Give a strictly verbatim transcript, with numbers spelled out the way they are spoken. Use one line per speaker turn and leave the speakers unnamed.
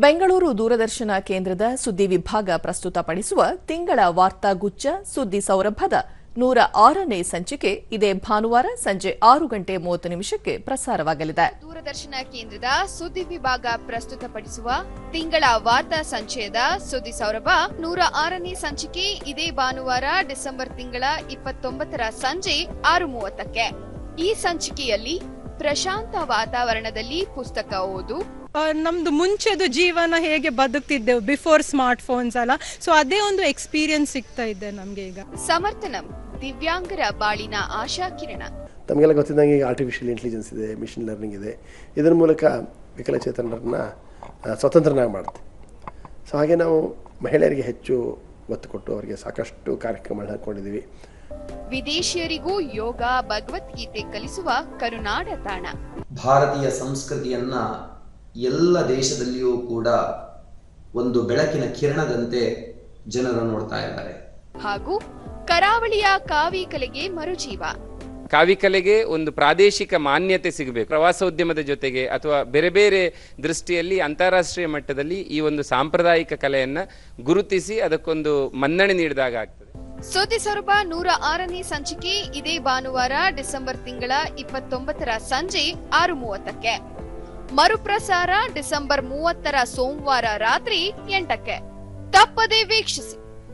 ಬೆಂಗಳೂರು ದೂರದರ್ಶನ ಕೇಂದ್ರದ ಸುದ್ದಿ ವಿಭಾಗ ಪ್ರಸ್ತುತಪಡಿಸುವ ತಿಂಗಳ ವಾರ್ತಾಗುಚ್ಛ ಸುದ್ದಿ ಸೌರಭದ ನೂರ ಆರನೇ ಸಂಚಿಕೆ ಇದೇ ಭಾನುವಾರ ಸಂಜೆ ಆರು ಗಂಟೆ ಮೂವತ್ತು ನಿಮಿಷಕ್ಕೆ ಪ್ರಸಾರವಾಗಲಿದೆ.
ದೂರದರ್ಶನ ಕೇಂದ್ರದ ಸುದ್ದಿ ವಿಭಾಗ ಪ್ರಸ್ತುತಪಡಿಸುವ ತಿಂಗಳ ವಾರ್ತಾ ಸಂಚಯದ ಸುದ್ದಿ ಸೌರಭ ನೂರ ಆರನೇ ಸಂಚಿಕೆ ಇದೇ ಭಾನುವಾರ ಡಿಸೆಂಬರ್ ತಿಂಗಳ ಇಪ್ಪತ್ತೊಂಬತ್ತರ ಸಂಜೆ ಆರು ಮೂವತ್ತಕ್ಕೆ. ಈ ಸಂಚಿಕೆಯಲ್ಲಿ ಪ್ರಶಾಂತ ವಾತಾವರಣದಲ್ಲಿ ಪುಸ್ತಕ ಓದು,
ನಮ್ದು ಮುಂಚೆದು ಜೀವನ ಹೇಗೆ ಬದುಕ್ತಿದ್ದೆವು ಬಿಫೋರ್ ಸ್ಮಾರ್ಟ್ ಫೋನ್ಸ್ ಅಲ್ಲ, ಸೊ ಅದೇ ಒಂದು ಎಕ್ಸ್ಪೀರಿಯನ್ಸ್ ಸಿಗ್ತಾ ಇದೆ ನಮ್ಗೆ ಈಗ.
ಸಮರ್ಥನಂ ದಿವ್ಯಾಂಗರ ಬಾಳಿನ ಆಶಾ ಕಿರಣ.
ತಮಗೆಲ್ಲ ಗೊತ್ತಿದ್ದಂಗೆ ಈಗ ಆರ್ಟಿಫಿಷಿಯಲ್ ಇಂಟೆಲಿಜೆನ್ಸ್ ಇದೆ, ಮಿಷಿನ್ ಲರ್ನಿಂಗ್ ಇದೆ. ಇದರ ಮೂಲಕ ವಿಕಲಚೇತನರನ್ನ ಸ್ವತಂತ್ರನಾಗಿ ಮಾಡುತ್ತೆ. ಸೊ ಹಾಗೆ ನಾವು ಮಹಿಳೆಯರಿಗೆ ಹೆಚ್ಚು ಒತ್ತು ಕೊಟ್ಟು ಅವರಿಗೆ ಸಾಕಷ್ಟು ಕಾರ್ಯಕ್ರಮಗಳನ್ನ ಹಾಕೊಂಡಿದ್ದೀವಿ.
ವಿದೇಶಿಯರಿಗೂ ಯೋಗ ಭಗವದ್ಗೀತೆ ಕಲಿಸುವ ಕರುನಾಡ ತಾಣ.
ಭಾರತೀಯ ಸಂಸ್ಕೃತಿಯನ್ನ ಎಲ್ಲ ದೇಶದಲ್ಲಿಯೂ ಕೂಡ ಒಂದು ಬೆಳಕಿನ ಕಿರಣದಂತೆ ಜನರು ನೋಡ್ತಾ ಇದ್ದಾರೆ.
ಹಾಗೂ ಕರಾವಳಿಯ ಕಾವಿ ಕಲೆಗೆ ಮರುಜೀವ.
ಕಾವಿ ಕಲೆಗೆ ಒಂದು ಪ್ರಾದೇಶಿಕ ಮಾನ್ಯತೆ ಸಿಗಬೇಕು. ಪ್ರವಾಸೋದ್ಯಮದ ಜೊತೆಗೆ ಅಥವಾ ಬೇರೆ ಬೇರೆ ದೃಷ್ಟಿಯಲ್ಲಿ ಅಂತಾರಾಷ್ಟ್ರೀಯ ಮಟ್ಟದಲ್ಲಿ ಈ ಒಂದು ಸಾಂಪ್ರದಾಯಿಕ ಕಲೆಯನ್ನ ಗುರುತಿಸಿ ಅದಕ್ಕೊಂದು ಮನ್ನಣೆ ನೀಡಿದಾಗ ಆಗ್ತದೆ.
ಸುದ್ದಿ ಸೌರಭ ನೂರ ಆರನೇ ಸಂಚಿಕೆ ಇದೇ ಭಾನುವಾರ ಡಿಸೆಂಬರ್ ತಿಂಗಳ ಇಪ್ಪತ್ತೊಂಬತ್ತರ ಸಂಜೆ ಆರು ಮೂವತ್ತಕ್ಕೆ. ಮರುಪ್ರಸಾರ ಡಿಸೆಂಬರ್ ಮೂವತ್ತರ ಸೋಮವಾರ ರಾತ್ರಿ ಎಂಟಕ್ಕೆ. ತಪ್ಪದೇ ವೀಕ್ಷಿಸಿ.